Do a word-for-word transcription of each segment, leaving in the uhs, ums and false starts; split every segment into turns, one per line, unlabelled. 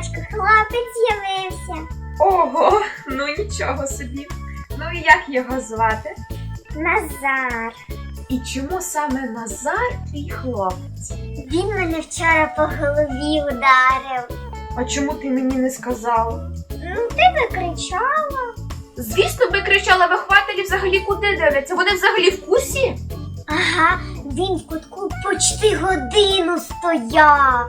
садочку хлопець з'явився.
Ого, ну нічого собі. Ну і як його звати?
Назар.
І чому саме Назар твій хлопець?
Він мене вчора по голові ударив.
А чому ти мені не сказала?
Ну, ти викричала.
Звісно, би кричала, вихователі взагалі куди дивляться? Вони взагалі в курсі?
Ага, він в кутку почти годину стояв.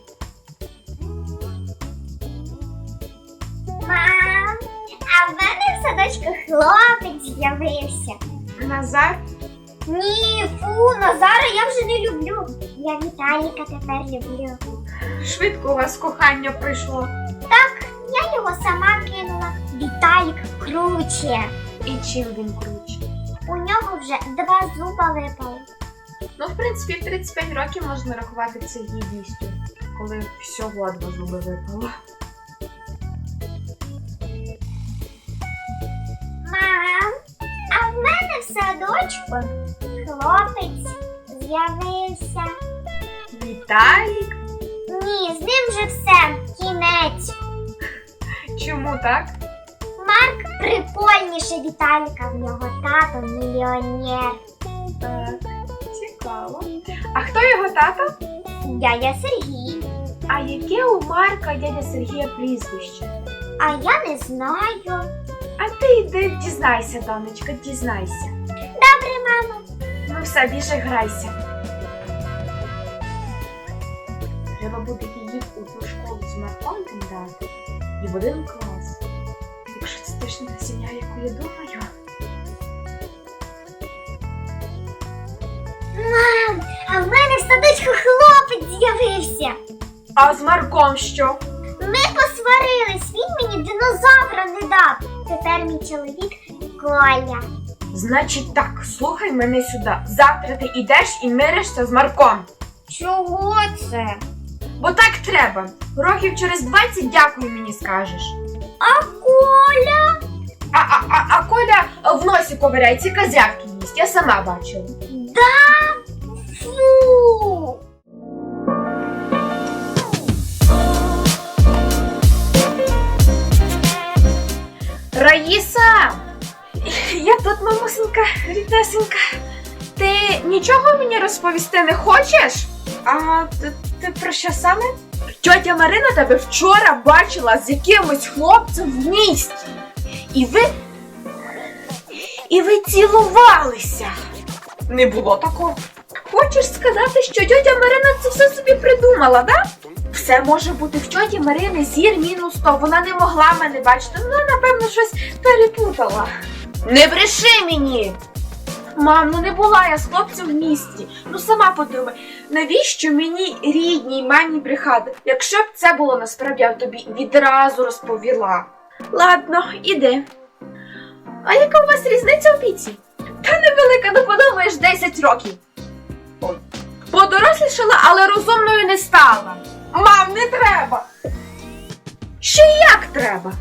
Мам, а в мене в садочку хлопець з'явився.
Назар?
Ні, фу, Назара я вже не люблю. Я Віталіка тепер люблю.
Швидко у вас кохання прийшло.
Так, я його сама кинула. Віталік круче.
І чим він круче?
У нього вже два зуба випали.
Ну, в принципі, в тридцять п'ять років можна рахувати це гідністю, коли всього два зуби випало.
Мам, а в мене в садочку хлопець з'явився.
Віталік?
Ні, з ним вже все, кінець.
Чому так?
Марк прикольніше Віталіка, в нього тато мільйонер.
Так, цікаво. А хто його тато?
Дядя Сергій.
А яке у Марка дядя Сергія прізвище?
А я не знаю.
А ти йди дізнайся, донечка, дізнайся.
Добре, мамо.
Ну все, біжи, грайся. Треба буде її в одну школу з Марком дати і в один клас. Якщо це точно та сім'я, яку я думаю.
Мам, а в мене в садочку хлопець з'явився.
А з Марком що?
Ми посварились, він мені динозавра не дав. Тепер мій чоловік Коля.
Значить так, слухай мене сюди. Завтра ти йдеш і миришся з Марком.
Чого це?
Бо так треба. Років через двадцять дякую мені скажеш.
А Коля?
А, а, а, а Коля в носі ковиряється, козявки їсть. Я сама бачила.
Да? Фу!
Раїса! Я тут, мамусенька, ріднесенька. Ти нічого мені розповісти не хочеш? А ти, ти про що саме? Тьотя Марина тебе вчора бачила з якимось хлопцем в місті. І ви... І ви цілувалися. Не було такого. Хочеш сказати, що тьотя Марина це все собі придумала, да? Все може бути в тьоті Марини зір мінус сто. Вона не могла мене бачити. Вона, напевно, щось перепутала. Не бреши мені! Мам, ну не була я з хлопцем в місті. Ну сама подумай, навіщо мені рідній мамі брехати? Якщо б це було насправді, я б тобі відразу розповіла. Ладно, іди. А яка у вас різниця в віці? Та невелика, ну подумаєш, десять років. Подорослішала, але розумною не стала. Мам, не треба. Ще як треба?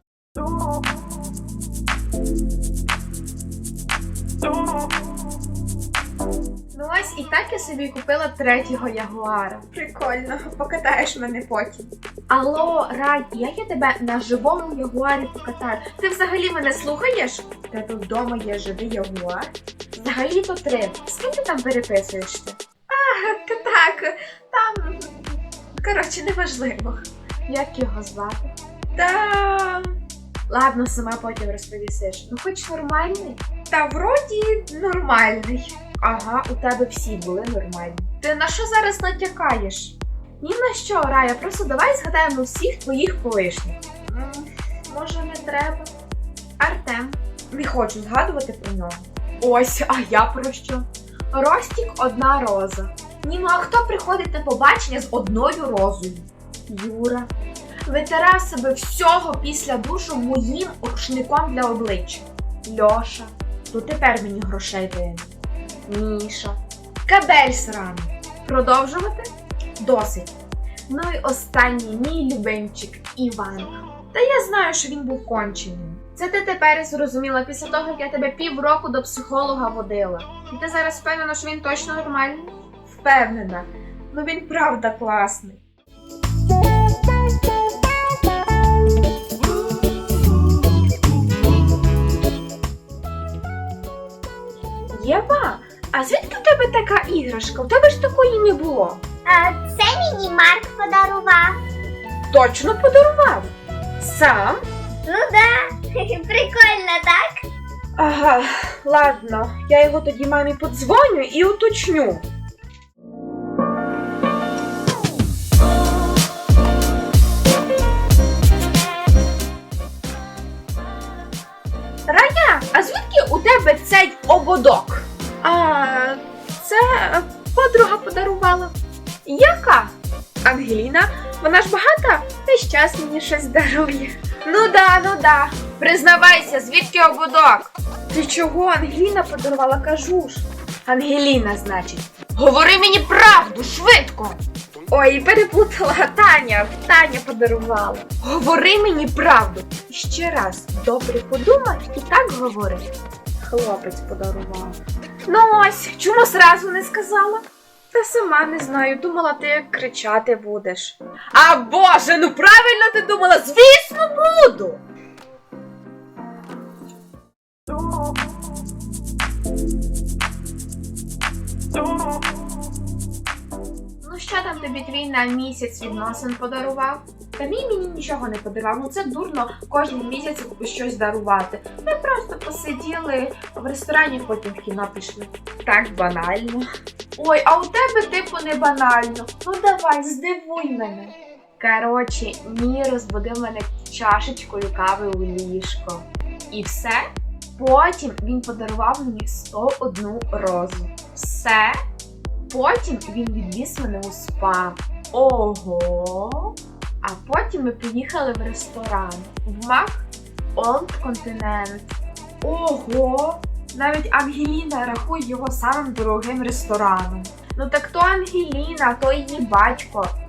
Ну ось і так я собі купила третього ягуара. Прикольно, покатаєш мене потім. Алло, Рай, як я тебе на живому ягуарі покатаю? Ти взагалі мене слухаєш? У тебе вдома є живий ягуар? Взагалі-то три. З ким ти там переписуєшся? А, так, там... Коротше, неважливо. Як його звати? Та... Ладно, сама потім розповісиш. Ну хоч нормальний? Та вроді нормальний. Ага, у тебе всі були нормальні. Ти на що зараз натякаєш? Ні на що, Рая, просто давай згадаємо всіх твоїх колишніх. М, може не треба? Артем. Не хочу згадувати про нього. Ось, а я про що? Ростік одна роза. Ні, ну а хто приходить на побачення з одною розою? Юра. Витирав себе всього після душу моїм рушником для обличчя. Льоша. То тепер мені грошей винен. Міша. Кабель сраний. Продовжувати? Досить. Ну і останній мій любимчик Іван. Та я знаю, що він був конченим. Це ти тепер зрозуміла після того, як я тебе півроку до психолога водила. І ти зараз впевнена, що він точно нормальний? Впевнена. Ну він правда класний. іграшка? У тебе ж такої не було.
А це мені Марк подарував.
Точно подарував? Сам?
Ну да, прикольно, так?
Ага, ладно, я його тоді мамі подзвоню і уточню. Рая, а звідки у тебе цей ободок? А, це подруга подарувала. Яка? Ангеліна, вона ж багата, весь час мені щось дарує. Ну да, ну да. Признавайся, звідки ободок? Ти чого, Ангеліна подарувала, кажу ж. Ангеліна, значить. Говори мені правду, швидко. Ой, переплутала, Таня, Таня подарувала. Говори мені правду. І ще раз, добре подумай і так говори. Хлопець подарував. Ну ось, чому зразу не сказала? Та сама не знаю, думала, ти кричати будеш. А Боже, ну правильно ти думала, звісно буду! Ну що там тобі твій на місяць відносин подарував? Та мій мені нічого не подарував, ну це дурно кожен місяць щось дарувати. Ми просто посиділи в ресторані, потім в кіно пішли. Так банально. Ой, а у тебе типу не банально. Ну давай, здивуй мене. Коротше, мій розбудив мене чашечкою кави у ліжко. І все. Потім він подарував мені сто одну розу. Все. Потім він відвіз мене у спа. Ого! А потім ми поїхали в ресторан. В Мак Олд Континент. Ого! Навіть Ангеліна рахує його самим дорогим рестораном. Ну так то Ангеліна, то її батько.